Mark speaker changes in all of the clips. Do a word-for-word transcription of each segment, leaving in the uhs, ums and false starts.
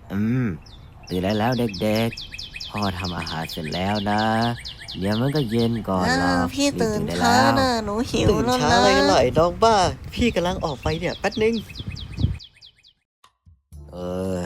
Speaker 1: อืมตื่นได้แล้วเด็กๆพ่อทำอาหารเสร็จแล้วนะเดี๋ยวมันก็เย็นก่อน
Speaker 2: อ้า
Speaker 1: หรอ
Speaker 2: วพี่
Speaker 1: กรีบ
Speaker 2: ตื่น
Speaker 1: ตื่นได้
Speaker 2: ช้า
Speaker 1: แล้ว
Speaker 2: น่ะหนูหิว
Speaker 3: ตื่น
Speaker 2: แล้ว
Speaker 3: ช้า
Speaker 2: นะ
Speaker 3: อะไรกันล่ะไอ้น้องบ้า พี่กำลังออกไปเนี่ยแป๊บนึง
Speaker 1: เออ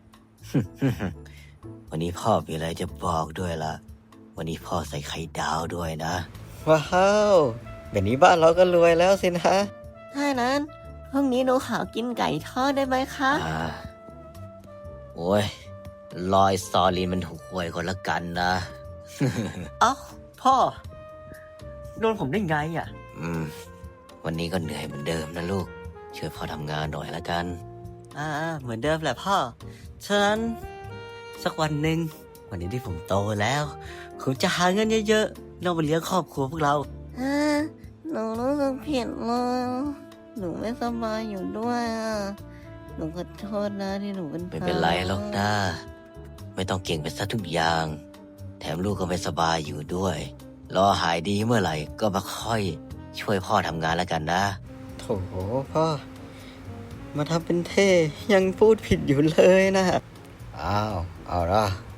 Speaker 1: วันนี้พ่อมีอะไรจะบอกด้วยล่ะวันนี้พ่อใส่ไข่ดาวด้วยนะ
Speaker 3: ว้าวแบบนี้บ้านเราก็รวยแล้วสินะ
Speaker 2: ถ้านั้นพรุ่งนี้หนูขอกินไก่ทอดได้ไหมคะ
Speaker 1: อ่าโอ้ยลอยสตอรี่มันถูกหวยคนละกันนะ
Speaker 3: เอ้าพ่อโดนผมได้ไงอ่ะ
Speaker 1: อืม วันนี้ก็เหนื่อยเหมือนเดิมนะลูก ช่วยพ่อทำงานหน่อยละกัน
Speaker 3: อ่าเหมือนเดิมแหละพ่อฉะนั้นสักวันหนึ่งวันนี้ที่ผมโตแล้วผมจะหาเงินเยอะๆเรามาเลี้ยงครอบครัวพวกเรา
Speaker 2: อ่าหนูรู้สึกผิดเลยหนูไม่สบายอยู่ด้วยอ่ะหนูขอโทษนะที่หนูเป็น
Speaker 1: ไม่เป็นไรหรอกนะไม่ต้องเก่งไปซะทุกอย่าง แถมลูกก็ไม่สบายอยู่ด้วย รอหายดีเมื่อไหร่ก็มาค่อยช่วยพ่อทำงานแล้วกันนะ
Speaker 3: โถพ่อ มาทำเป็นเท่ยังพูดผิดอยู่เลยนะ
Speaker 1: อ้าว เอาละ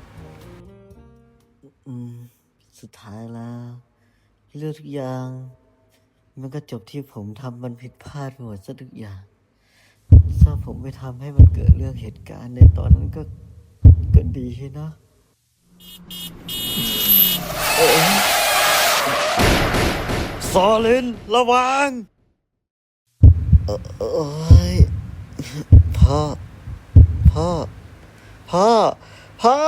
Speaker 3: อืม สุดท้ายแล้ว เรื่องทุกอย่าง มันก็จบที่ผมทำมันผิดพลาดไปหมดซะทุกอย่างถ้าผมไม่ทำให้มันเกิดเรื่องเหตุการณ์ในตอนนั้นก็ก็ดีนะเอ๊ะซอลินระวังเออเอ้ยพ่อ พ่อ พ่อ พ่อ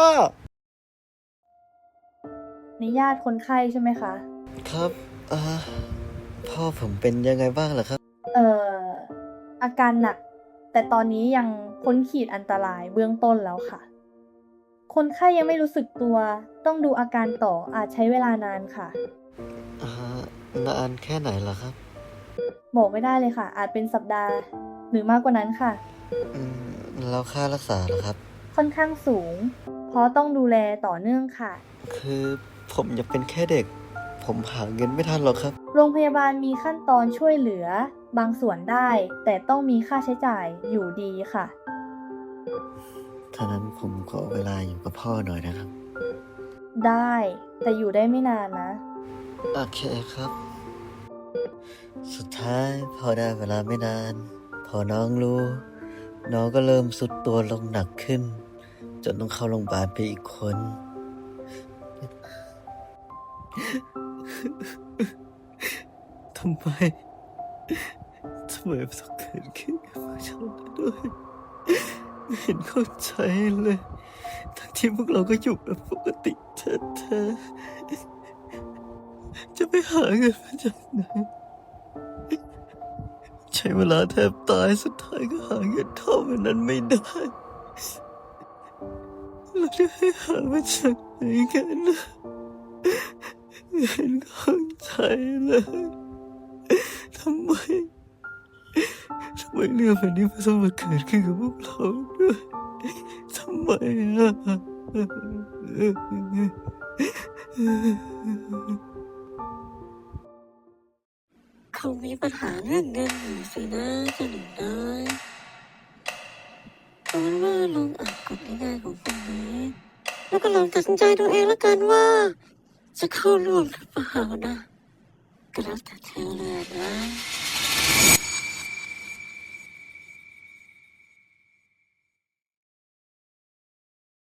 Speaker 4: นี่ญาติคนไข้ใช่ไหมคะ
Speaker 3: ครับอ่าพ่อผมเป็นยังไงบ้างล่ะครับ
Speaker 4: เอ่อ อาการหนัก แต่ตอนนี้ยังพ้นขีดอันตรายเบื้องต้นแล้วค่ะ คนไข้ยังไม่รู้สึกตัว ต้องดูอาการต่ออาจใช้เวลานานค่ะ
Speaker 3: อ่านานแค่ไหนล่ะครับ
Speaker 4: บอกไม่ได้เลยค่ะ อาจเป็นสัปดาห์ หรือมากกว่านั้นค่ะ
Speaker 3: อืมแล้วค่ารักษาล่ะครับ
Speaker 4: ค่อนข้างสูง เพราะต้องดูแลต่อเนื่องค่ะ
Speaker 3: คือผมอยากเป็นแค่เด็ก ผมหาเงินไม่ทันหรอกครับ
Speaker 4: โรงพยาบาลมีขั้นตอนช่วยเหลือบางส่วนได้ แต่ต้องมีค่าใช้จ่ายอยู่ดีค่ะ
Speaker 3: ถ้านั้นผมขอเวลาอยู่กับพ่อหน่อยนะครับ
Speaker 4: ได้ แต่อยู่ได้ไม่นานนะ
Speaker 3: โอเคครับ สุดท้ายพอได้เวลาไม่นาน พอน้องรู้ น้องก็เริ่มสุดตัวลงหนักขึ้น จนต้องเข้าโรงพยาบาลไปอีกคน ทำไม ทำไมมันต้องเกิดขึ้นกับฉันด้วยไม่เห็นเข้าใจเลย ทั้งที่พวกเราก็อยู่แบบปกติแท้ๆจะไปหาเงินมาจากไหน ใช้เวลาแทบตายสุดท้ายก็หาเงินเท่ามันนั้นไม่ได้ เราจะให้หามาจากไหนกันนะไม่เห็นเข้าใจเลยทำไมทำไมเรื่องแบบนี้มันต้องมาเกิดขึ้นกับพวกเราด้วยทำไมอ่ะ
Speaker 2: คงมีปัญหาเรื่องเงินอยู่สินะเจ้าหนูน้อยเอาเป็นว่าลองอ่านกฎง่ายๆของพวกนี้ แล้วก็ลองตัดสินใจดูเองแล้วกันว่า จะเข้าร่วมหรือเปล่านะก็แล้วแต่เธอเลยนะ